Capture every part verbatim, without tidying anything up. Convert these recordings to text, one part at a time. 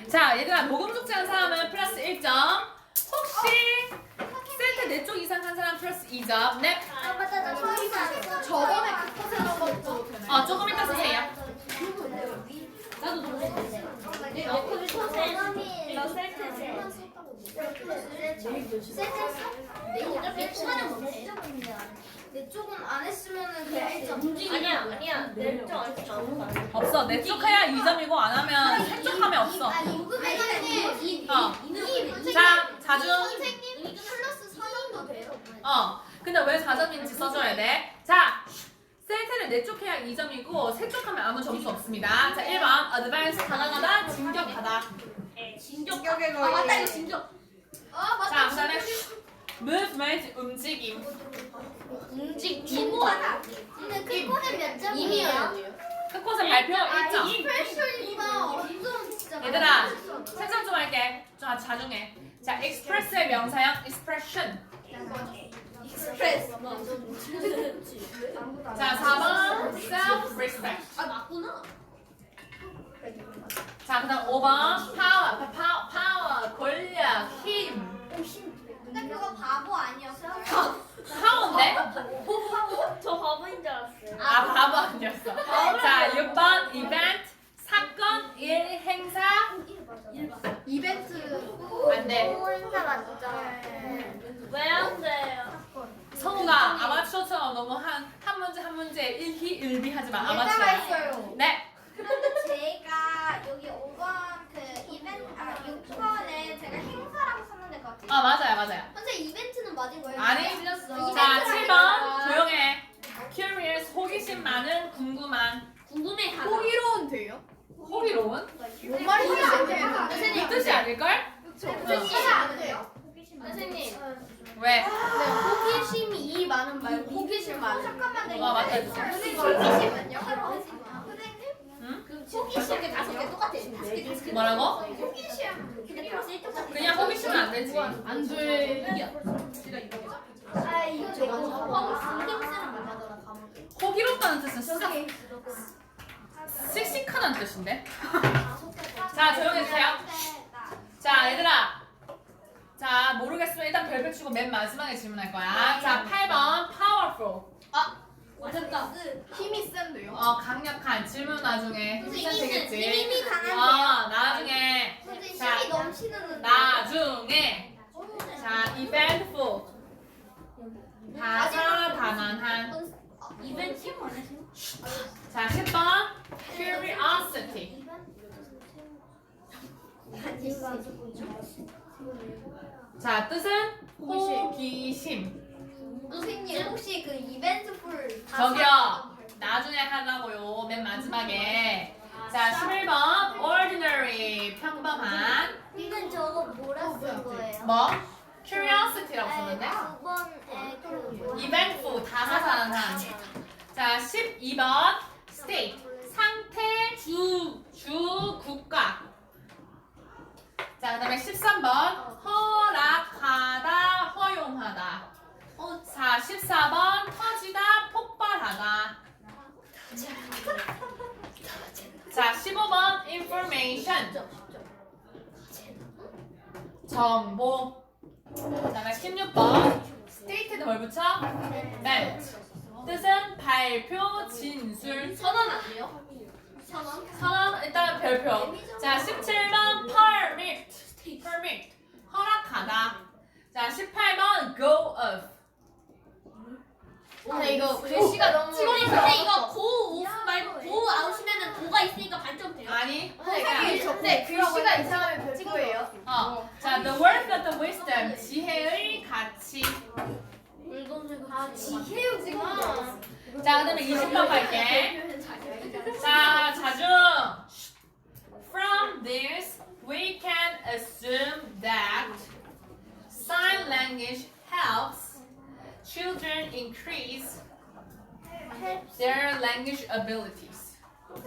자, 얘들아, 녹음 숙제한 사람은 플러스 일 점. 혹시 센터 네 쪽 이상 한 사람 플러스 이 점. 네. 아 맞다 나 처음에 저번에 그거 세는 것도 되나요? 어, 조금 이따 쓰세요. 나도 놀랬는데 너 그게 처음에 너 셀트세 셀트 차는 못해 내 쪽은 안 했으면은 그냥 일 점. 아니야 아니야 내 쪽 안 했어 아무도 안 했어 없어. 네 쪽 해야 이 점이고 안 하면 세 쪽 하면 없어. 아니 녹음해가지고 어. 이 자, 자주. 선생님 플러스 사 점도 돼요. 어. 근데 왜 사 점인지 써줘야 돼. 자, 센터는 네 쪽 해야 이 점이고 세 쪽 하면 아무 점수 없습니다. 자, 일 번. 어드밴스 다가가다 진격하다. 진격의 아 맞다 이거 진정 아 맞다. 자, 그다음에 movement 움직임. 움직 진보하다 근데 그거는 몇 점이에요? 이미요 끝곳은 발표 일 점. 익스프레션이가 완전 진짜. 얘들아, 생각 좀 할게. 좀 자중해. 자, express의 명사형 expression. 익스프레스. 자, 사 번 self-respect. 아 맞구나 자, 그다음 오 번 power, 파워, 파워, 권력, 힘. 근데 그거 바보 아니었어? 파워인데? 저 바보인 줄 알았어요 아, 바보 아니었어. 자, 육 번 event, 사건, 일, 행사. 이벤트. 안 돼. 행사 맞죠? 왜 안 돼요 성우가 아마추어처럼 너무 한, 한 문제 한 문제 일희일비 하지 마. 예다가 아마추어. 했어요. 네. 그런데 제가 여기 오 번 그 이벤트 아 육 번에 제가 행사라고 썼는데 그거 아, 맞아요, 맞아요. 선생님 이벤트는 맞은 거예요? 아니. 틀렸어. 자, 칠 번 조용해. curious, 호기심 많은, 궁금한. 궁금해 하다 호기로운 돼요? 호기로운? 뭔 말인지 안 돼요. 이 뜻이 아닐걸? 선생님 안 돼요. 선생님 왜? 네, 호기심이 이 많은 말고 호기심 많은. 잠깐만 어, 맞다. 선생님 호기심은요? 선생님 응? 호기심 게 다섯 개 똑같아 뭐라고? 호기심 근데 플러스 일 점 그냥 호기심은 안 되지. 안 돼. 아 이거 제가 신경 쓰는 말하잖아 과목에 호기롭다는 뜻은 싹 씩씩하다는 뜻인데. 자, 조용히 해주세요. 자, 얘들아. 자, 모르겠으면 일단 별표 치고 맨 마지막에 질문할 거야. 자, 팔 번 powerful. 맞았다 힘이 센데요. 어, 강력한. 질문 나중에 힘이 되겠지. 힘이 어, 강한데요? 나중에. 선생님 자, 힘이 넘치는 나중에. 자, eventful. 다사다난한. 이벤트 안 했어 자, 십 번 curiosity. 자, 뜻은 호기심. 선생님 혹시 그 이벤트 풀 저기요, 나중에 하려고요. 맨 마지막에. 자, 십일 번 ordinary, 평범한. 이건 저거 뭐라 쓴 거예요? 뭐? curiosity라고 썼는데? 두 번에 그 뭐- eventful, 다사다난한. 자, 십이 번 state, 상태, 주, 주, 국가. 자, 그 다음에 십삼 번 허락하다, 허용하다. 자, 십사 번 터지다, 폭발하다. 자, 십오 번 information, 정보. 그 다음에 십육 번 state는 뭘 붙여? meant. 뜻은 발표, 진술. 선언 안 돼요? 천원? 선언 일단 별표. 자, 십칠 번 permit, permit 허락하다. 자, 십팔 번 go off. 근데 이거 글씨가 너무. 선생님 근데 이거 고 오프 말고 고 아웃이면은 고가 있으니까 반점 돼요 아니, 선생님 근데 글씨가 이상하면 별거예요. 어, 자, the worth of the wisdom, 지혜의 가치. 아 지혜우구나. 자, 그다음에 이십 번 갈게. 자, 자중. From this, we can assume that sign language helps children increase their language abilities.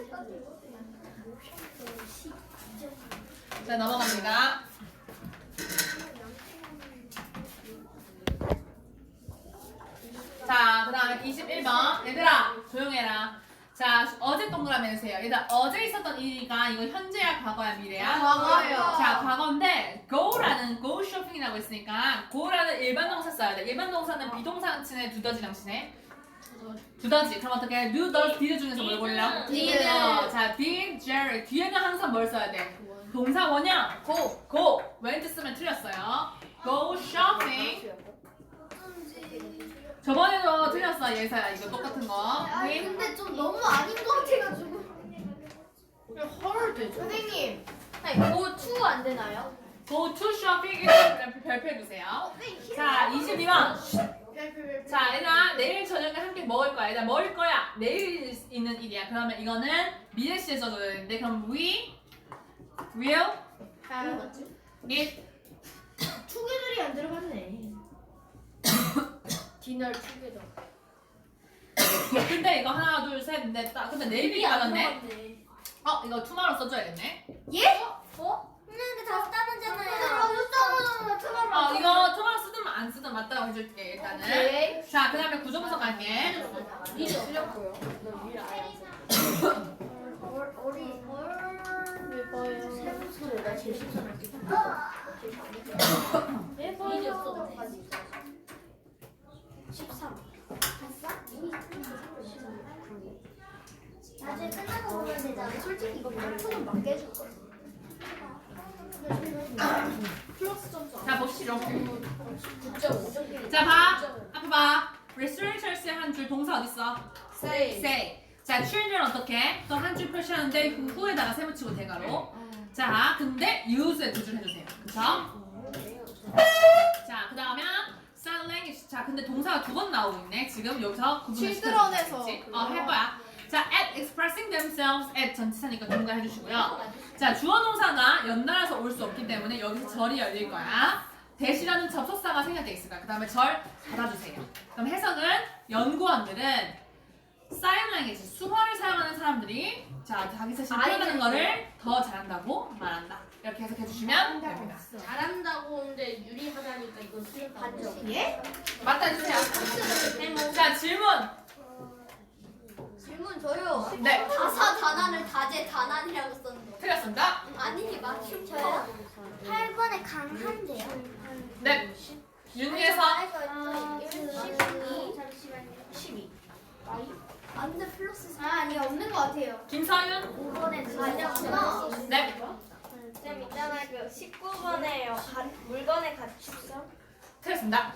자, 넘어갑니다. 자, 그 다음에 이십일 번. 얘들아, 조용해라. 자, 어제 동그라미 해주세요. 일단 어제 있었던 일이가 이거 현재야, 과거야, 미래야? 과거요. 자, 과거인데 go라는 go shopping이라고 있으니까 go라는 일반 동사 써야 돼. 일반 동사는 비동사 치네, 두더지랑 치네. 두더지. 그럼 어떻게? do, does, did 중에서 뭘 골라? did. 어, 자, did, Jerry. 뒤에는 항상 뭘 써야 돼? 동사 원형. go. go. went 쓰면 틀렸어요. go shopping. 저번에도 틀렸어, 예사야. 이거 똑같은 거. 아니 오케이? 근데 좀 너무 아닌 것 같아가지고. 헐 되죠. 선생님, 아니 고투 안 되나요? go to shopping 일단 별표해주세요. 자, 이십이 번. 자, 얘들아, 내일 저녁에 함께 먹을 거야. 얘들아, 먹을 거야. 내일 있는 일이야. 그러면 이거는 미래 시에 써줘야 되는데, 그럼 we will eat. 투게더리 안 들어갔네. 디너 투게더. 근데 이거 하나, 둘, 셋, 넷, 다. 근데 내일이 받았네. 어, 이거 tomorrow 써줘야겠네. 예? 근데 다섯 단어잖아요. 어, 이거 tomorrow 쓰든 안 쓰든 맞다고 해줄게, 일단은. 오케이. 자, 그 다음에 구조분석 갈게. 미리 틀렸고요. 너 미리 알아서. 왜 봐요? 세부서 내가 제일 신선할게. 왜 봐요? 십삼. 봤어? 나중에 끝나고 보면 되잖아. 솔직히 이거 반토는 맞게 해줄 거야. 플러스 점수. 자, 보시죠. 구 점 오 점. 자, 봐. 앞에 봐. researchers의 한 줄 동사 어딨어? 세이. say. 자, children 어떻게? 또 한 줄 표시하는데 그 후에다가 세붙이고 대가로. 자, 근데 use에 두 줄 해주세요. 그쵸? 자, 그 다음에 sign language. 자, 근데 동사가 두 번 나오고 있네. 지금 여기서 구분을 children에서 시켜주겠지? 어, 할 거야. 자, at expressing themselves at 전치사니까 동사 해주시고요. 자, 주어 동사가 연달아서 올 수 없기 때문에 여기서 절이 열릴 거야. 대시라는 접속사가 생략돼 있을 거야. 그 다음에 절 받아주세요. 그럼 해석은 연구원들은 sign language, 수화를 사용하는 사람들이 자, 자기 자신을 표현하는 거를 더 잘한다고 말한다. 이렇게 해석해 주시면 됩니다. 잘한다고 하는데 유리하다니까 이건 틀렸다. 반점. 예? 맞다 해주세요. 자, 질문. 질문 저요. 네, 다사다난을 다재다난이라고 썼는데. 틀렸습니다. 아니지 맞춤 저요? 팔 번에 강한데요. 네, 윤희에서 아, 십이. 안돼 플러스 사. 아, 아니 없는 것 같아요. 김서윤. 오 번에 아니었구나. 네, 쌤 있잖아 그 십구 번에요 물건의 가축성 틀렸습니다.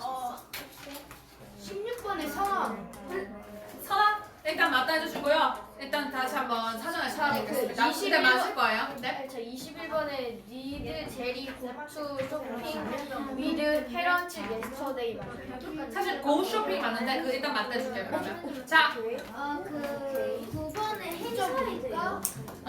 십육 번에 성. 선아, 일단 맞다 해주시고요. 일단 다시 한번 사전을 찾아보겠습니다. 그 근데 맞을 거예요. 네. 저 이십일 번에 니드 제리 고추 쇼핑 위드 페런치 예스터데이 맞아요. 사실 고 쇼핑 맞는데 그 일단 맞다 해줄게요. 그러면. 자, 아그 두 번에 행사니까